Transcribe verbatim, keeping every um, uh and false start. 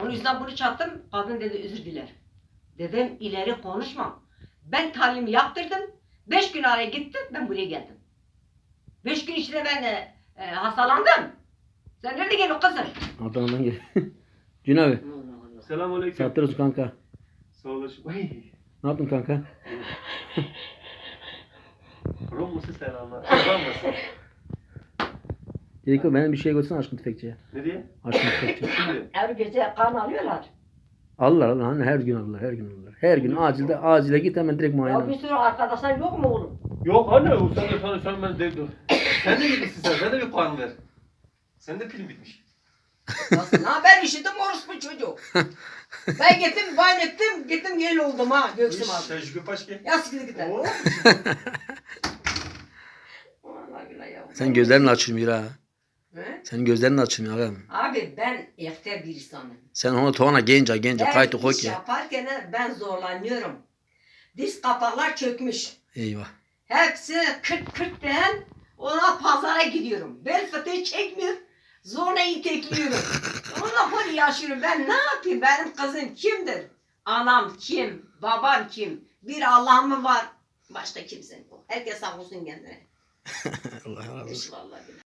Onun yüzden bunu çattım. Kadın dedi özür diler. Dedim ileri konuşmam. Ben talim yaptırdım. Beş gün araya gittim. Ben buraya geldim. Beş gün içinde ben e, e, hastalandım. Sen nerede geldin kızım? Adana'dan gel. Cün abi. Selamünaleyküm. Saatler olsun kanka. Sağ olasın. Ay. Ne yaptın kanka? Rom musun selamlar? Selam mısın? Dedik o benim bir şey götürsene aşkın tüfekçiye. Nereye? Aşkın tüfekçi. Şimdi. Her gece kan alıyorlar. Alırlar alırlar. Hani her gün alırlar. Her gün alırlar. Her gün acilde acile git hemen direkt muayene. Ya bir sürü arkadaşlar yok mu oğlum? Yok anne o sen de sana sen ben de dur. Sen de gitmişsin sen. Sen de bir kan ver. Sen de film bitmiş. Nasıl? Ha ben işittim orospu çocuk. Ben gittim, bayn ettim, gittim yel oldum ha Göksüm abi. Tecrübe paşke. Ya sıkıntı gider. Oo. Vallahi billahi ya. Sen gözlerini açılmıyor ha. He? Senin gözlerin açılmıyor ağam. Abi ben ehter bir insanım. Sen ona toğana gence gence Her kaydı koy iş ki. yaparken ben zorlanıyorum. Diz kapaklar çökmüş. Eyvah. Hepsi kırk kırk ben ona pazara gidiyorum. Bel fıtığı çekmiyor. Zorla itekliyorum. Onunla böyle yaşıyorum. Ben ne yapayım? Benim kızım kimdir? Anam kim? Babam kim? Bir Allah'ım mı var? Başka kimse yok. Herkes sağ olsun kendine. Allah razı olsun. Vallahi billahi.